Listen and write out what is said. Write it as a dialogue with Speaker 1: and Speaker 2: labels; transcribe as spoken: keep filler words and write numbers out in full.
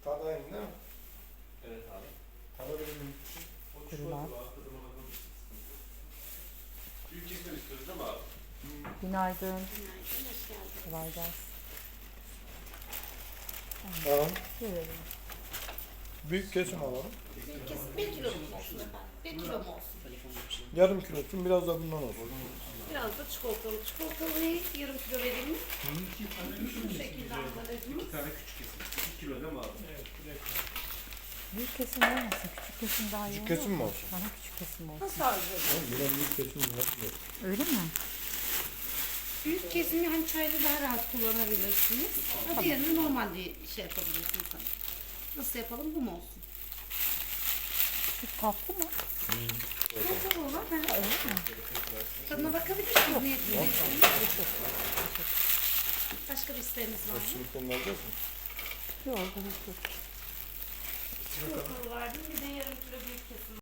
Speaker 1: Tadı aynı değil mi?
Speaker 2: Evet abi.
Speaker 1: Alabilir miyim?
Speaker 2: O
Speaker 3: Kırılan.
Speaker 2: çikolata var. Tadına bakalım. Büyük kesim istiyoruz değil mi abi?
Speaker 3: Günaydın.
Speaker 4: Günaydın, hoş geldin.
Speaker 3: Kolay gelsin.
Speaker 1: Tamam.
Speaker 3: Görelim.
Speaker 1: Büyük kesim alalım.
Speaker 4: Bir kesim bir kilo mu olsun efendim? Bir kilo mu olsun?
Speaker 1: Yarım kilo olsun, biraz da bundan olsun.
Speaker 4: Biraz da çikolatalı. Çikolatalıyı yarım kilo vereyim mi? Şu şekilde ambalajımız.
Speaker 2: İki tane küçük kesim. İki kilo değil mi abi?
Speaker 3: Büyük kesim olmasın. Küçük kesim daha iyi
Speaker 1: Küçük
Speaker 3: olur
Speaker 1: kesim mi
Speaker 3: mu?
Speaker 1: olsun?
Speaker 3: Bana küçük kesim olsun.
Speaker 4: Nasıl arzu
Speaker 1: Oğlum yine büyük kesim var.
Speaker 3: Öyle mi?
Speaker 4: Büyük kesimi hani çayda daha rahat kullanabilirsiniz. Ha, diğerini normal diye şey yapabilirsiniz. Hani. Nasıl yapalım? Bu mu olsun?
Speaker 3: Küçük tatlı mı?
Speaker 4: Çikolatalı olan. Ha.
Speaker 3: Öyle mi?
Speaker 4: Tadına bakabilirsiniz. Niyetiniz. Başka bir isteğiniz var mı?
Speaker 1: Silikonu alacağız mı?
Speaker 3: Yok, gerek yok.
Speaker 4: Çikolatalı verdim. Bir de yarım kilo büyük kesim.